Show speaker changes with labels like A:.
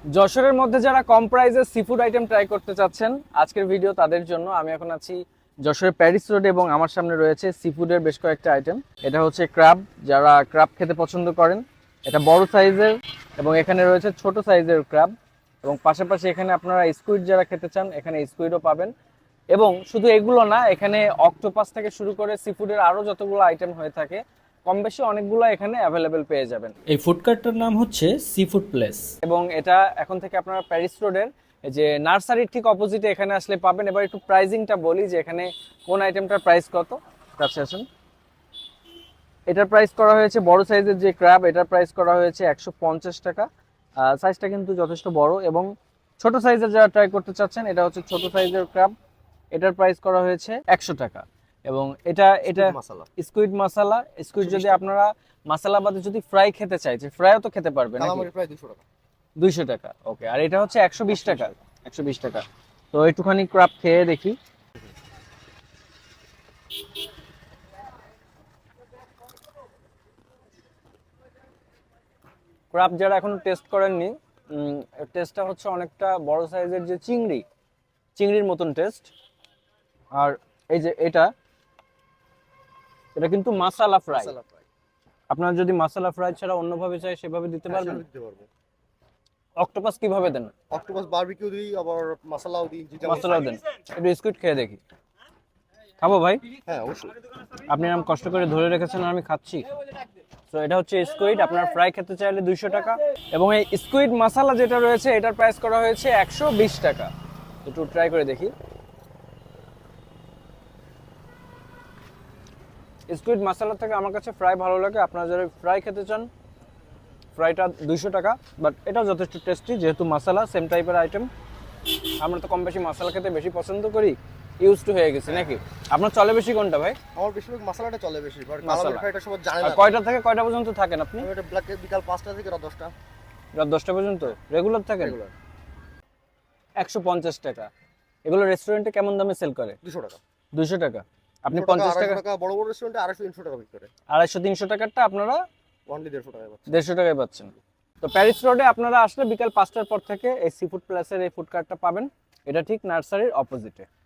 A: যশোরের মধ্যে যারা কম প্রাইসে সি ফুড আইটেম ট্রাই করতে চাচ্ছেন, আজকের ভিডিও তাদের জন্য। আমি এখন আছি যশোরের প্যারিস রোডে এবং আমার সামনে রয়েছে সি ফুডের বেশ কয়েকটা আইটেম। এটা হচ্ছে ক্র্যাব, যারা ক্র্যাব খেতে পছন্দ করেন। এটা বড় সাইজের এবং এখানে রয়েছে ছোট সাইজের ক্র্যাব, এবং পাশাপাশি এখানে আপনারা স্কুইড যারা খেতে চান এখানে স্কুইডও পাবেন। এবং শুধু এগুলো না, এখানে অক্টোপাস থেকে শুরু করে সি ফুডের আরও যতগুলো আইটেম হয়ে থাকে কম বেশি অনেকগুলো এখানে অ্যাভেলেবেল পেয়ে যাবেন।
B: এই ফুড কার্টটার নাম হচ্ছে সি ফুড প্লেস।
A: এবং এটা এখন থেকে আপনারা প্যারিস রোডের যে নার্সারির ঠিক অপোজিটে এখানে আসলে পাবেন। এবার একটু প্রাইজিংটা বলি যে এখানে কোন আইটেমটার প্রাইস কত। কাছে আসুন। এটার প্রাইস করা হয়েছে, বড় সাইজের যে ক্র্যাব, এটার প্রাইস করা হয়েছে 150 টাকা। সাইজটা কিন্তু যথেষ্ট বড়। এবং ছোট সাইজের যারা ট্রাই করতে চাচ্ছেন, এটা হচ্ছে ছোট সাইজের ক্র্যাব, এটার প্রাইস করা হয়েছে 100 টাকা। এবং এটা স্কুইড মশলা, স্কুইড যদি আপনারা মশলা বাদে যদি ফ্রাই খেতে চাই, যে ফ্রাইও তো খেতে পারবেন,
C: প্রায় 200 টাকা।
A: 200 টাকা। ওকে, আর এটা হচ্ছে 120 টাকা। 120 টাকা। তো একটুখানি ক্র্যাব খেয়ে দেখি। ক্র্যাব যারা এখনো টেস্ট করেননি, টেস্টটা হচ্ছে অনেকটা বড় সাইজের যে চিংড়ির মতন টেস্ট। আর এই যে এটা কিন্তু মাসালা ফ্রাই। আপনারা যদি মাসালা ফ্রাই ছাড়া অন্যভাবে চাই সেভাবে দিতে পারবেন। অক্টোপাস কিভাবে দেন?
C: অক্টোপাস বারবিকিউ দিই, আবার মশলাও দিই।
A: মশলাও দেন। একটু স্কুইড খেয়ে দেখি। খাবো ভাই?
C: হ্যাঁ অবশ্যই।
A: আপনি নাম কষ্ট করে ধরে রেখেছেন আর আমি খাচ্ছি। তো এটা হচ্ছে স্কুইড, আপনারা ফ্রাই খেতে চাইলে 200 টাকা। এবং এই স্কুইড মশলা যেটা রয়েছে এটার প্রাইস করা হয়েছে 120 টাকা। একটু ট্রাই করে দেখি। স্কুইড মশলা থেকে আমার কাছে ফ্রাই ভালো লাগে। আপনারা যারা ফ্রাই খেতে চান, ফ্রাইটা 200 টাকা। বাট এটাও যথেষ্ট টেস্টি, যেহেতু মশলা সেম টাইপের আইটেম। আমরা তো কম বেশি মশলা খেতে বেশি পছন্দ করি, ইউজ টু হয়ে গেছে নাকি? আপনার চলে বেশি কোনটা ভাই?
C: আমার বেশিরভাগ মশলাটা চলে বেশি, বাট
A: মশলা।
C: কালার ফ্রাইটা সবাই জানে
A: আর
C: না।
A: কয়টা থেকে কয়টা পর্যন্ত থাকেন আপনি?
C: এটা ব্ল্যাক বিকাল 5টা থেকে রাত 10টা।
A: রাত 10টা পর্যন্ত রেগুলার থাকেন?
C: রেগুলার
A: 150 টাকা। এগুলো রেস্টুরেন্টে কেমন দামে সেল করে?
C: 200 টাকা।
A: 200 টাকা। আপনি
C: 200
A: 50 টাকা।
C: টাকা বড় বড় রেস্টুরেন্টে 250-300 টাকা বিক্রি করে।
A: 250-300 টাকারটা আপনারা
C: অনলি 150 টাকায় পাচ্ছেন।
A: 150 টাকায় পাচ্ছেন। তো প্যারিস রোডে আপনারা আসলে বিকাল 5টার পর থেকে এই সি ফুড প্লাসের এই ফুড কার্টটা পাবেন। এটা ঠিক নার্সারির অপোজিটে।